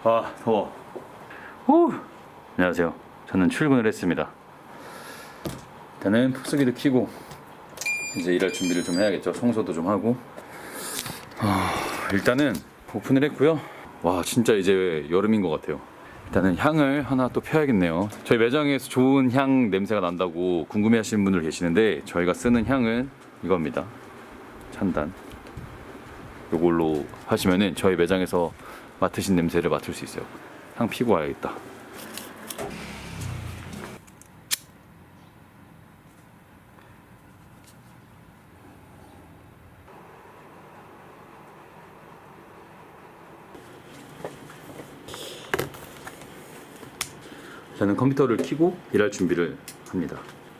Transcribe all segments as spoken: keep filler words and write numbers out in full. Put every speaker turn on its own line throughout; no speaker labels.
아 더워. 후. 안녕하세요. 저는 출근을 했습니다. 일단은 푹쓰기도 켜고 이제 일할 준비를 좀 해야겠죠. 청소도 좀 하고. 아, 일단은 오픈을 했고요. 와 진짜 이제 여름인 것 같아요. 일단은 향을 하나 또 펴야겠네요. 저희 매장에서 좋은 향 냄새가 난다고 궁금해하시는 분들 계시는데 저희가 쓰는 향은 이겁니다. 찬단. 이걸로 하시면은 저희 매장에서 맡으신 냄새를 맡을 수 있어요. 향 피고 와야겠다. 저는 컴퓨터를 켜고 일할 준비를 합니다.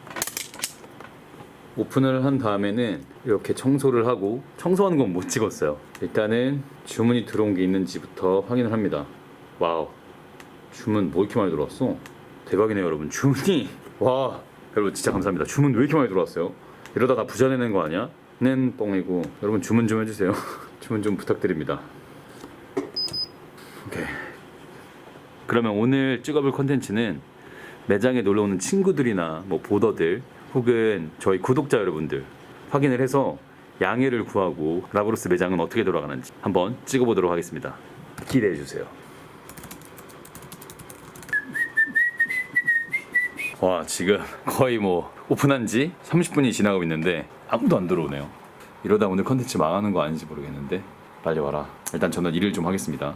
오픈을 한 다음에는 이렇게 청소를 하고, 청소하는 건 못 찍었어요. 일단은 주문이 들어온 게 있는지부터 확인을 합니다. 와우, 주문 뭐 이렇게 많이 들어왔어? 대박이네요 여러분. 주문이 와 여러분 진짜 감사합니다. 주문 왜 이렇게 많이 들어왔어요? 이러다 다 부자 되는 거 아니야? 는 뻥이고. 여러분 주문 좀 해주세요. 주문 좀 부탁드립니다. 오케이. 그러면 오늘 찍어볼 컨텐츠는 매장에 놀러오는 친구들이나 뭐 보더들 혹은 저희 구독자 여러분들 확인을 해서 양해를 구하고 라브로스 매장은 어떻게 돌아가는지 한번 찍어보도록 하겠습니다. 기대해주세요. 와 지금 거의 뭐 오픈한 지 삼십 분이 지나고 있는데 아무도 안 들어오네요. 이러다 오늘 컨텐츠 망하는 거 아닌지 모르겠는데 빨리 와라. 일단 저는 일을 좀 하겠습니다.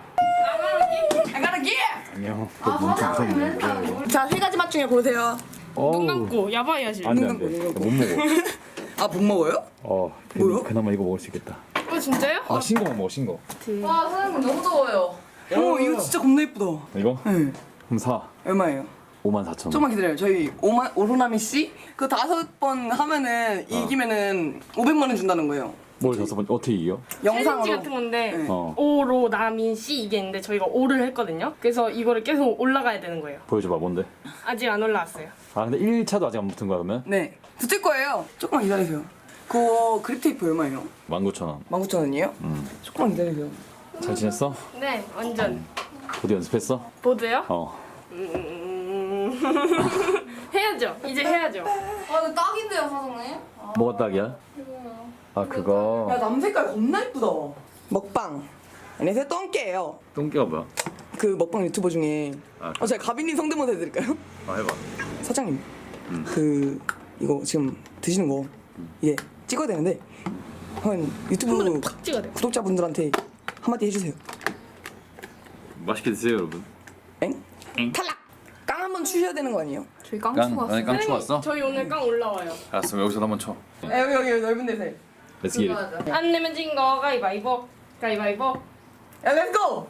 안녕. 또 엄청 무섭네.
자, 세 가지 맛 중에 고르세요.
눈 감고 야바이 하실.
안돼 안돼. 못 먹어.
아, 못 먹어요?
어
뭐요?
그나마 이거 먹을 수 있겠다.
어 진짜요?
아 신거만 먹어 신거.
와 사장님 너무 더워요.
어, 이거 진짜 겁나 예쁘다.
이거?
네.
그럼 사.
얼마예요?
오만 사천 원.
조금만 기다려요. 저희 오만 오로나미 씨 그 다섯 번 하면은 이기면은 오백만 원 준다는 거예요.
뭘 다섯 번 어떻게 이겨?
챌린지
영상으로.
같은 건데
네.
어
오로 나민 씨 이게 있는데 저희가 오를 했거든요. 그래서 이거를 계속 올라가야 되는 거예요.
보여줘봐 뭔데?
아직 안 올라왔어요.
아 근데 일 차도 아직 안 붙은 거야 그러면?
네. 붙을 거예요. 조금만 기다리세요. 그거 그립 테이프 얼마예요?
만 구천 원.
만 구천 원이에요?
음.
조금만 기다리세요.
잘 지냈어?
네, 완전
어디 연습했어?
보드요?
어.
음... 해야죠. 이제 해야죠.
아 이거 딱인데요 사장님?
뭐가 딱이야? 아 그거.
야, 남 색깔 겁나 예쁘다. 먹방. 안녕하세요. 똥개예요.
똥개가 뭐야?
그 먹방 유튜버 중에
아,
어, 제가 가빈님 성대모사 해드릴까요?
아 해봐.
사장님,
음.
그 이거 지금 드시는 거 이게 찍어야 되는데 한 유튜브
팍 찍어야 돼요.
구독자분들한테 한마디 해주세요.
맛있게 드세요 여러분.
엥?
엥?
탈락! 깡 한 번 추셔야 되는 거 아니에요?
저희 깡추 왔어요.
깡 왔어?
저희 오늘 깡 올라와요.
알았어 여기서 한번 쳐.
아, 여기 여기 넓은 데서
Let's get it.
맞아.
안 내면 진 거 가위바위보. 가위바위보.
야, 렛츠고!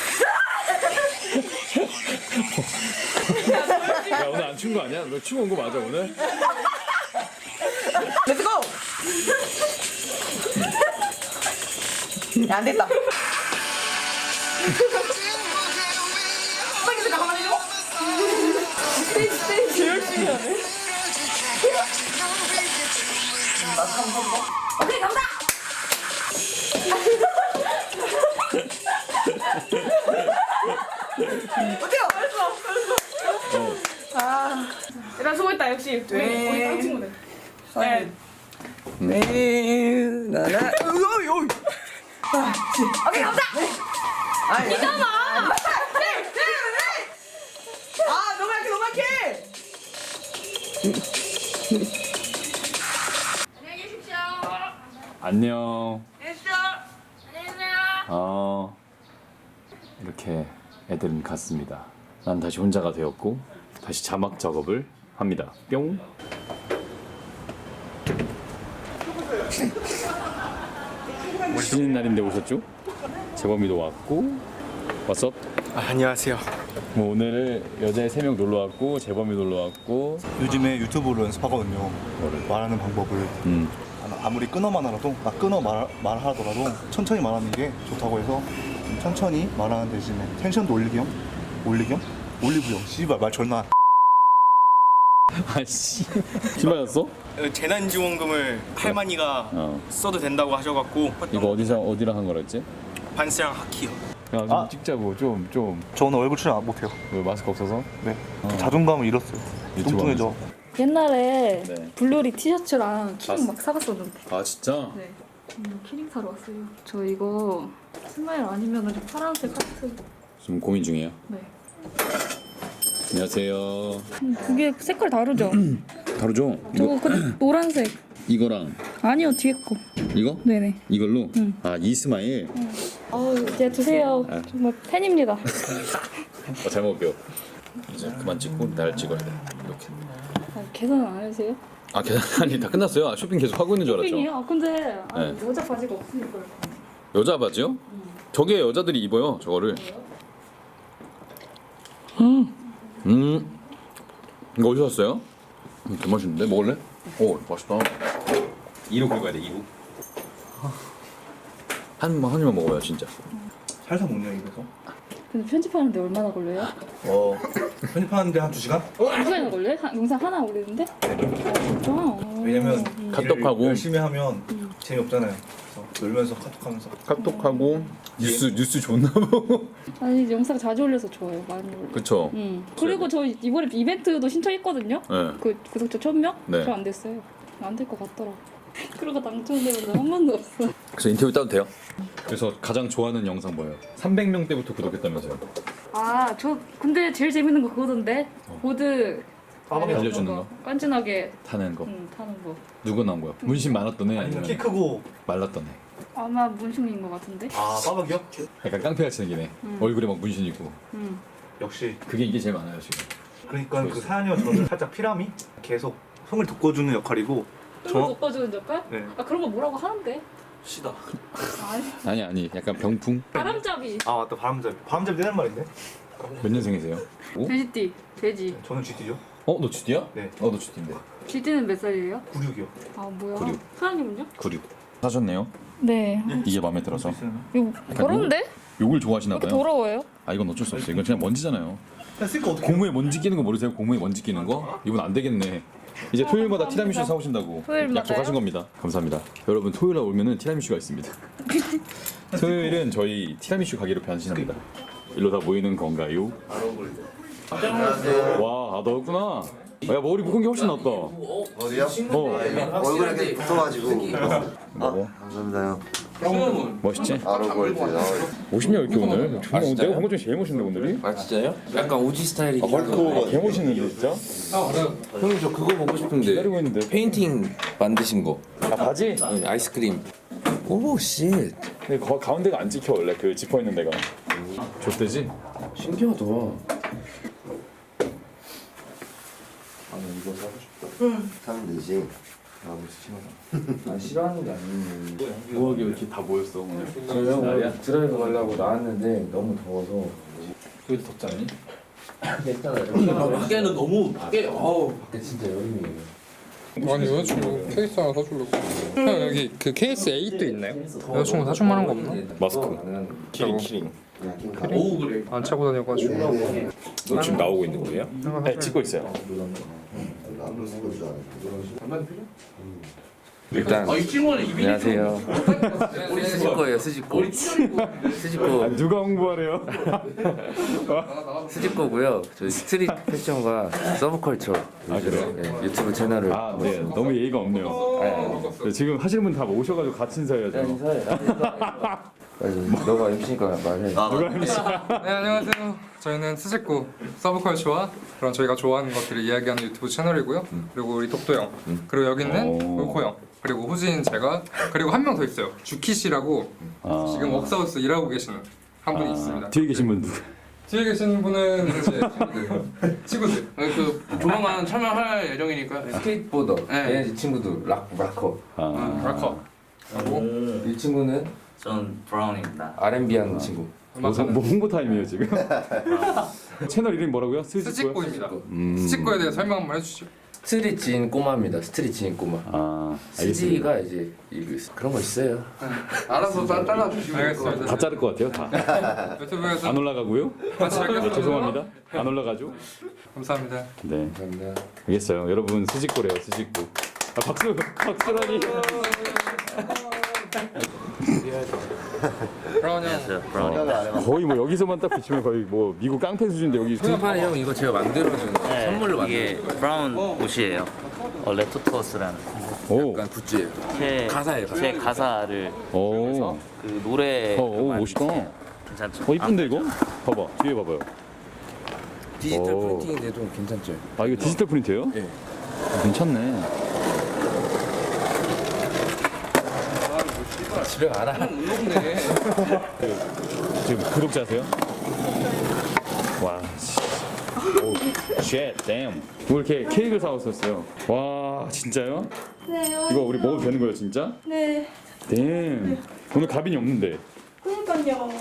야 오늘 안 춘 거 아니야? 너 춤 온 거 맞아 오늘?
렛츠고! 야, 안 됐다. 빨리 잠깐만 해줘. 스테이지 스테이지 열심히 하네. 오케이, 감사! 어때요?
얘들아 수고했다. 역시 우리
네.
우리 깡 친구들.
네. 네. 나나. 어이 어이. 아, 오케이, 감사! 아니,
이잖아.
네, 네, 네. 아, 너무 약해, 너무 약해.
안녕히 계십시오.
안녕.
됐어.
안녕히 계세요.
어 이렇게 애들은 갔습니다. 난 다시 혼자가 되었고 다시 자막 작업을 합니다. 뿅. 쉬는 날인데 오셨죠? 재범이도 왔고 왔어?
아, 안녕하세요.
뭐 오늘은 여자 세 명 놀러 왔고 재범이 놀러 왔고.
요즘에 유튜브로 연습하거든요.
뭐를?
말하는 방법을
음.
아무리 끊어만 하라도 아, 끊어 말, 말하더라도 천천히 말하는 게 좋다고 해서 좀 천천히 말하는 대신에 텐션도 올리기 겸 올리기 겸 올리브 영 씨발 말 존나
아씨. 신발였어?
재난지원금을 할머니가
어.
써도 된다고 하셔갖고
이거 어디서 어디랑 한 거랬지?
반스랑 하키요.
야좀
아.
찍자고 좀 좀.
저는 얼굴 출연 안 못해요.
왜 마스크 없어서?
네. 자존감을 잃었어요.
유튜브
뚱뚱해져.
옛날에
네.
블루리 티셔츠랑 키링
봤어.
막 사갔었는데.
아 진짜?
네. 음, 키링 사러 왔어요. 저 이거 스마일 아니면 파란색 하트.
지금 고민 중이에요.
네.
안녕하세요.
음, 그게 색깔 다르죠?
다르죠?
저거 근데 노란색.
이거랑
아니요 뒤에 거.
이거?
네네.
이걸로?
응.
아 이스마일?
아우 이제 드세요.
아.
정말 팬입니다.
어, 잘 먹을게요. 이제 그만 찍고 날 찍어야 돼. 이렇게.
아, 계산 안 해주세요?
아 계산 아니 다 끝났어요. 아, 쇼핑 계속 하고 있는 줄 알았죠.
쇼핑이요? 아, 근데 아니,
네.
여자 바지가 없으니까.
여자 바지요? 저게 여자들이 입어요. 저거를. 음. 음. 이거 어디서 샀어요? 음, 개 맛있는데 먹을래? 오 맛있다. 이로 긁어야 돼. 이로. 한입만 한 입만 먹어요 진짜.
살살 먹냐 입에서?
근데 편집하는데 얼마나 걸려요?
어 편집하는데 한 두 시간?
두 시간이나 걸려요? 한- 영상 하나 올리는데? 아 진짜? 어.
왜냐면
카톡하고.
일을 열심히 하면 재미없잖아요. 그래서 놀면서 카톡하면서.
카톡하고 뉴스 뉴스 좋나 보고.
아니 영상 자주 올려서 좋아요. 많이 올려.
그쵸.
음. 그리고 저 이번에 이벤트도 신청했거든요.
네.
그 구독자 천 명?
네.
저 안 됐어요. 안 될 것 같더라. 그러고 당첨된 적한 번도 없어.
그래서 인터뷰 따도 돼요? 그래서 가장 좋아하는 영상 뭐예요? 삼백 명 때부터 구독했다면서요?
아, 저 근데 제일 재밌는 거 그거던데. 보드
빠방이
알려주는 거?
깐진하게
타는 거.
음, 타는 거.
누구 나온 거야? 문신 많았던 애
아니면 키
아니면
크고.
말랐던 애?
아마 문신인 것 같은데.
아 빠박이요?
약간 깡패같이 생긴 애. 얼굴에 막 문신 있고.
음.
역시.
그게 이게 제일 많아요 지금.
그러니까 그 사연이와 저는 살짝 피라미 계속 손을 돋궈주는 역할이고.
그걸
저
돋궈주는 역할?
네.
아 그런 거 뭐라고 하는데?
시다.
아니
아니 아니 약간 병풍.
바람잡이.
아 맞다 바람잡이. 바람잡이 되는 말인데?
몇 년생이세요? 오?
돼지띠. 돼지.
저는 지티죠.
어? 너 쥐띠야?
네.
어 너 쥐띠인데.
쥐띠는 몇 살이에요?
구육이요.
아 뭐야?
구류.
사장님은요?
구류. 사셨네요?
네.
이게 마음에 들어서.
이거 더러운데?
욕을 좋아하시나
이렇게
봐요.
더러워요?
아 이건 어쩔 수 없어요. 이건 그냥 먼지잖아요.
그냥 쓸거 어떻게?
고무에 먼지 끼는 거 모르세요? 고무에 먼지 끼는 거? 이분 안 되겠네. 이제 토요일마다
감사합니다.
티라미슈 사오신다고
토요일마다요?
약속하신 겁니다. 감사합니다. 여러분 토요일날 오면은 티라미슈가 있습니다. 토요일은 저희 티라미슈 가게로 변신합니다. 일로 다 모이는 건가요? 와, 아, 너였구나. 야 머리 묶은 게 훨씬 낫다.
어디요?
어,
얼굴에 이렇게 붙어가지고.
먹어.
감사합니다.
멋있지?
아로골드.
멋있냐 이렇게 오늘? 정말 오늘 내가 본 것 중에 제일 멋있네 오늘이.
아 진짜요? 약간 오지 스타일이긴
헐크 개 멋있는데 진짜?
형님 저 그거 보고 싶은데
기다리고 있는데.
페인팅 만드신 거
아 바지?
네, 아이스크림 오 씨.
근데 거, 가운데가 안 찍혀 원래 그 지퍼 있는 데가. 좆대지?
신기하다.
사면 되지. 나도 싫어.
아 싫어하는 게 아니고
뭐하게 이렇게 다 모였어 오늘?
저요
날이야?
드라이브 가려고 나왔는데 너무 더워서
여기도 덥지 않니?
괜찮아요. 밖에는 너무 밖에 어우 밖에 진짜 여름이에요.
아니 여자친구 케이스 하나 사주려고. 형 여기 그 케이스 에잇도 있나요? 여자친구 사줄 만한 거 없나?
마스크. 키링 키링.
오 그래.
안 차고 다녀가지고.
너 지금 나오고 있는 거예요? 네 찍고 있어요.
일단 안녕하세요. 스지코예요 스지코. 스지코
누가 홍보하래요?
스지코고요. 저희 스트릿 패션과 서브컬처
그래요?
네, 유튜브 채널을
아, 네. 너무 예의가 없네요. 네, 지금 하시는 분 다 모셔가지고 같이 인사해야죠.
인사해. 너가 엠씨니까 말해.
누가 엠씨?
네 안녕하세요. 저희는 스즈코 서브컬처와 그런 저희가 좋아하는 것들을 이야기하는 유튜브 채널이고요. 그리고 우리 독도 형, 그리고 여기는
오.
울코 형, 그리고 후진 제가, 그리고 한 명 더 있어요. 주키 씨라고
아.
지금 웍스하우스 일하고 계시는 한 분이 있습니다.
뒤에 계신 분 누구?
뒤에 계신 분은 이제 친구들. 친구들.
그 조만간 참여할 예정이니까.
스케이트보더.
네.
얘네 이 친구도 락 락커.
아,
락커. 그리고
이 친구는
전 브라운입니다.
알앤비 하는 친구.
뭐, 뭐 홍보 타임이에요 지금? 채널 이름이 뭐라고요? 스지코요?
스지코입니다.
음.
스지코에 대해 설명 한번 해주시죠.
스트릿 지인 꼬마입니다. 스트릿 지인 꼬마.
아, 알겠습니다.
스지가 이제 이거 그런 거 있어요.
알아서 따- 따라주시면
알겠습니다.
다 자를 것 같아요 다.
유튜브에서
안 올라가고요?
같이
네,
하겠습니다.
죄송합니다. 안 올라가죠?
감사합니다.
네,
감사합니다.
알겠어요. 여러분 스지코래요 스지코. 아, 박수, 박수라니.
브라운 형.
안녕하세요. 브라우니.
어, 거의 뭐 여기서만 딱 비치면 거의 뭐 미국 깡패 수준인데 여기
형형 이거 제가 만들어준
네,
선물로 만든
이게 브라운 옷이에요. 어, 레토토스라는
오,
약간 굿즈예요.
제
가사예요, 가사.
제 가사를
오,
그 노래
어, 오 멋있다.
괜찮죠?
어 이쁜데 이거? 봐봐 뒤에 봐봐요.
디지털
오.
프린팅인데도 괜찮죠?
아 이거 디지털 프린트예요?
네.
아, 괜찮네.
집에 가라.
지금 구독자세요? 와, 씨. 오, 쉣, 댐. 뭐 이렇게 케이크를 사왔었어요. 와, 진짜요?
네.
이거 우리 먹어도 되는 거예요, 진짜?
네.
댐. 오늘 가빈이 없는데.
그러니까요.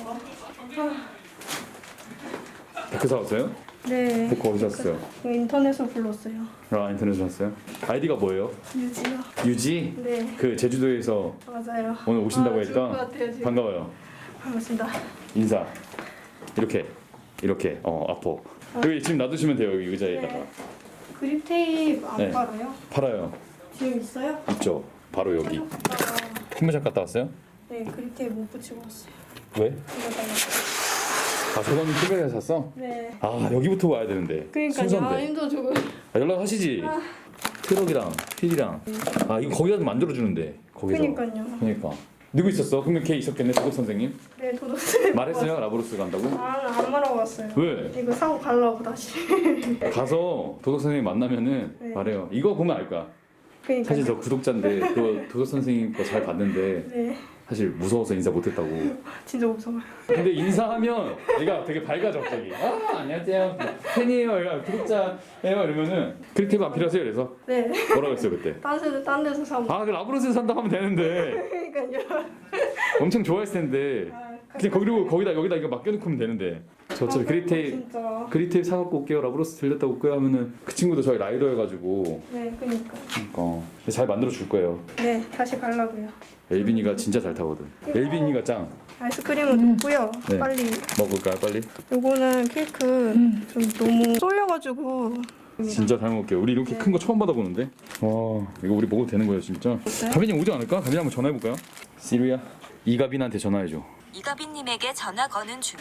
데크 사왔어요?
네.
데크 어디서 샀어요?
인터넷으로 불렀어요.
아, 인터넷에서 샀어요? 아이디가 뭐예요?
유지요.
유지?
네.
그 제주도에서
맞아요.
오늘 오신다고
아, 좋을 것
했던?
같아요, 지금.
반가워요.
반갑습니다.
인사. 이렇게. 이렇게. 어, 앞으로. 여기 지금 놔두시면 돼요, 여기 의자에다가.
네. 그립 테이프 안
네.
팔아요?
팔아요.
지금 있어요?
있죠. 바로 여기.
아,
흰무샵 갔다 왔어요?
네, 그립 테이프 못 붙이고 왔어요.
왜?
이거 달라고.
아, 저거는 티비에서 샀어?
네.
아, 여기부터 와야 되는데.
그러니까요. 아,
순서인데.
힘들어 조금.
아, 연락하시지. 트럭이랑 필이랑. 아, 이거 거기다 만들어 주는데. 거기서.
그러니까요.
그러니까. 누구 있었어? 그러면 걔 있었겠네, 도덕 선생님.
네, 도둑.
말했어요, 라브로스 간다고?
아, 안 말하고 왔어요.
왜?
이거 사고 가려고 다시.
가서 도덕 선생님 만나면은
네.
말해요. 이거 보면 알 거야.
그러니까.
사실 저 구독자인데 그거 도덕 선생님 거 잘 봤는데
네,
사실 무서워서 인사 못했다고.
진짜 무서워요.
근데 인사하면 얘가 되게 밝아져 갑자기. 아 안녕하세요 팬이에요. 얘가 구독자예요 이러면은 크리티브 안 필요하세요? 그래서
네.
뭐라고 했어요 그때?
딴 데서 딴 데서 사고.
아 그 라브로스 산다 하면 되는데
그러니까요.
엄청 좋아했을 텐데 그냥 거기로 거기다 여기다 이거 맡겨놓고 하면 되는데 저 어차피 그리테이프
진짜.
그리테이프 사갖고 올게요 라브로스 들렸다 올게요 하면은 그 친구도 저희 라이더여가지고
네, 그러니까.
어, 잘 만들어 줄 거예요.
네, 다시 가려고요.
엘빈이가 진짜 잘 타거든. 엘빈이가 짱.
아이스크림은 넣고요.
네.
빨리.
먹을까요 빨리?
요거는 케이크 좀 너무 쏠려가지고.
진짜 잘 먹을게요. 우리 이렇게 큰 거 처음 받아보는데. 와 이거 우리 먹어도 되는 거예요 진짜. 가빈이 오지 않을까? 가빈이 한번 전화해볼까요? 시리야 이가빈한테 전화해줘.
이가빈님에게 전화 거는 중.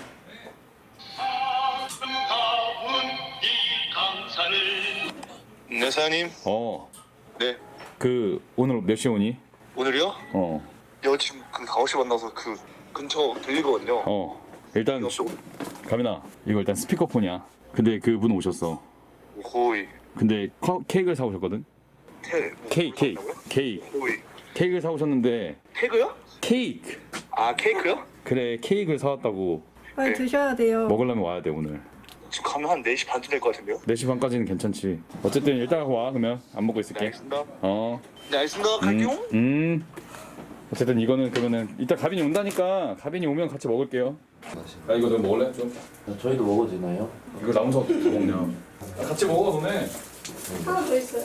네 사장님.
어.
네.
그 오늘 몇 시에 오니?
오늘이요?
어.
여 지금 그 아홉 시 만나서 그 근처 들리거든요.
어. 일단
여
가빈아 이거 일단 스피커폰이야. 근데 그분 오셨어.
거의
근데 커- 케이크를 사오셨거든.
태 뭐,
케이크 케이크 케이크
거의
케이크를 사오셨는데
태그요?
케이크.
아 케이크요?
그래 케이크를 사왔다고.
빨리 드셔야 돼요.
먹으려면 와야 돼 오늘.
지금 가면 한 네 시 반쯤 될 것 같은데요?
네 시 반까지는 괜찮지. 어쨌든 일단 와 그러면 안 먹고
네
있을게.
알겠습니다.
어.
네 알겠습니다. 갈게요.
음, 음. 어쨌든 이거는 그러면은 이따 가빈이 온다니까 가빈이 오면 같이 먹을게요. 아 이거 너 먹을래 좀?
저희도 먹어도 되나요?
이거 남서 어떻게 먹냐? 같이 먹어 너네.
하나 더 있어요.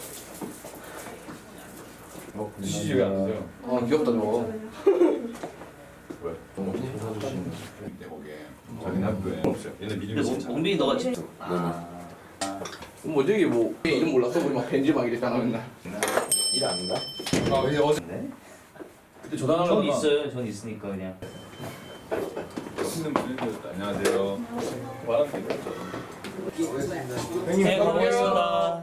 드시지 왜 안 드세요?
아 귀엽다 저거.
왜?
너무 사주시는.
내 거기에 자기네 학교에 없어요. 얘네 믿음이 진짜.
몽빈이 너가 직접. 아.
뭐 어제 뭐 이름 몰랐어 우리 막 벤지 막 이랬잖아 맨날. 일 아닌가?
아 이제 어제
네?
그때
전
전화하려고
있어요. 전 있으니까 그냥.
힘든 분이셨다. 안녕하세요. 말하면 되겠죠.
네, 고맙습니다.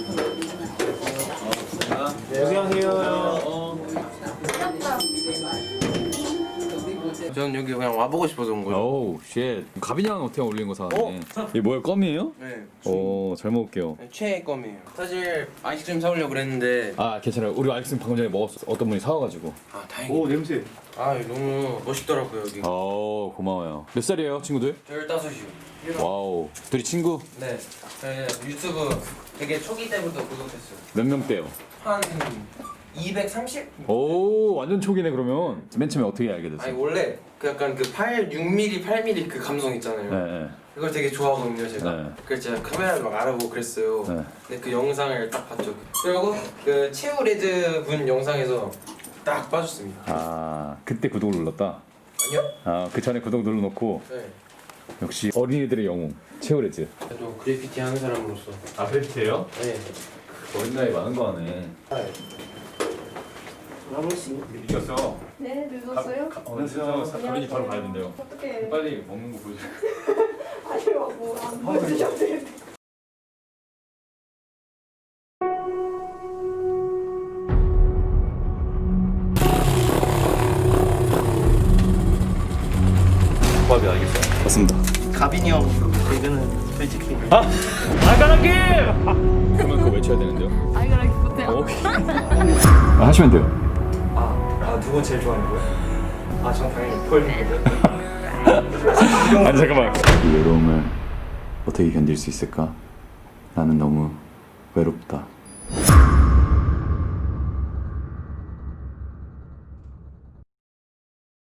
저는 여기 그냥 와보고 싶어서 온 거예요.
오우 쉣. 가빈이랑 어떻게 어울리는 거 사왔네. 이게 뭐야 껌이에요?
네.
오 잘 먹을게요.
최애 껌이에요. 사실 아이스크림 사오려고 그랬는데
아 괜찮아요. 우리 아이스크림 방금 전에 먹었어. 어떤 분이 사와가지고.
아 다행이다.
냄새.
아 너무 멋있더라고요 여기.
오 고마워요. 몇 살이에요 친구들?
열다섯이요.
와우. 둘이 친구?
네. 저희 유튜브 되게 초기 때부터 구독했어요.
몇 명대요?
한 이백삼십?
오 완전 초기네 그러면. 맨 처음에 어떻게 알게
아니
됐어요?
원래 그 약간 그 팔, 육 밀리미터, 팔 밀리미터 그 감성 있잖아요.
네, 네.
그걸 되게 좋아하거든요 제가.
네.
그래서 제가 카메라를 막 알아보고 그랬어요.
네.
근데 그 영상을 딱 봤죠. 그리고 그 최우레드 분 영상에서 딱 빠졌습니다.
아 그때 구독을 눌렀다.
아니요?
아 그 전에 구독 눌러놓고
네.
역시 어린이들의 영웅 최우레즈.
저 그래피티 하는 사람으로서.
아 그래피티예요?
네.
어린 나이 많은 거 하네. 미쳤어.
네, 늦었어요?
어느 순간 가린이 바로 가야 된대요.
어떻게?
빨리 먹는 거 보여줘.
아니요, 뭐안 보여주셔도 되는데.
조합이 알겠어요. 맞습니다.
가빈이 형 개그는 솔직히
아! 알가라기! 그러면 그거 외쳐야 되는데요?
아이가라기 못해요.
오케이. 아, 하시면 돼요.
아 누구 제일 좋아하는 거예요? 아전 당연히 펄인데.
아니 잠깐만. 이 외로움을 어떻게 견딜 수 있을까? 나는 너무 외롭다.